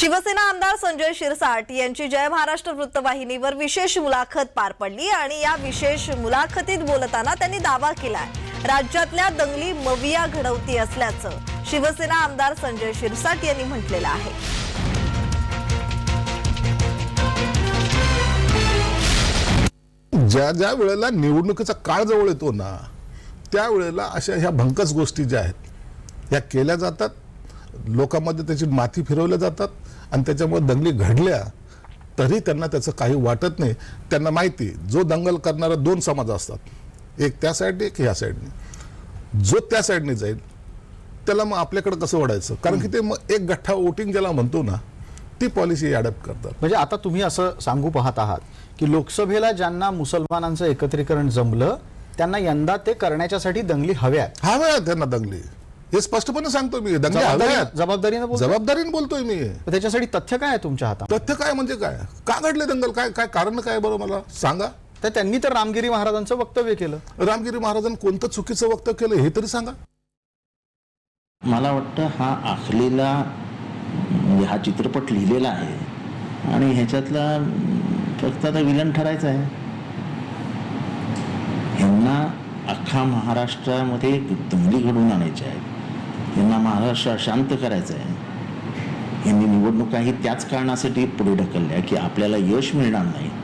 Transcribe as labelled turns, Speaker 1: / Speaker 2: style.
Speaker 1: शिवसेना आमदार संजय शिरसाट यांची जय महाराष्ट्र वृत्तवाहिनीवर विशेष मुलाखत पार पडली आणि या विशेष मुलाखतीत बोलताना त्यांनी दावा केलाय, राज्यातल्या दंगली मविया घडवती असल्याचं शिवसेना आमदार संजय शिरसाट यांनी म्हटलेलं आहे.
Speaker 2: ज्या ज्या वेळेला निवडणुकीचा काळ जवळ येतो ना, त्यावेळेला अशा ह्या भंकस गोष्टी ज्या आहेत ह्या केल्या जातात, लोकांमध्ये त्याची माती फिरवल्या जातात आणि त्याच्यामुळे दंगली घडल्या तरी त्यांना त्याचं काही वाटत नाही. त्यांना माहिती जो दंगल करणारा दोन समाज असतात, एक त्या साईडने एक ह्या साईडने. जो त्या साईडने जाईल त्याला मग आपल्याकडे कसं वळायचं, कारण की ते मग एक गठ्ठा वोटिंग ज्याला म्हणतो ना, ती पॉलिसी अडॅप्ट करतात.
Speaker 3: म्हणजे आता तुम्ही असं सांगू पाहत आहात की लोकसभेला ज्यांना मुसलमानांचं एकत्रीकरण जमलं त्यांना यंदा ते करण्याच्यासाठी दंगली हव्यात.
Speaker 2: त्यांना दंगली, हे स्पष्टपणे सांगतो मी. दंगली हव्यात, जबाबदारीने बोलतोय मी.
Speaker 3: त्याच्यासाठी तथ्य काय आहे तुमच्या हातात?
Speaker 2: तथ्य काय म्हणजे काय, का घडले दंगल, काय काय कारण काय, बरं मला सांगा.
Speaker 3: तर त्यांनी तर रामगिरी महाराजांचं वक्तव्य केलं.
Speaker 2: रामगिरी महाराजांनी कोणतं चुकीचं वक्तव्य केलं हे तरी सांगा.
Speaker 4: मला वाटतं हा आखलेला म्हणजे हा चित्रपट लिहिलेला आहे आणि ह्याच्यातला फक्त आता विलन ठरायचा आहे. ह्यांना अख्खा महाराष्ट्रामध्ये दंगली घडवून आणायच्या आहेत, यांना महाराष्ट्र शांत करायचं आहे. यांनी निवडणुकाही त्याच कारणासाठी पुढे ढकलल्या की आपल्याला यश मिळणार नाही.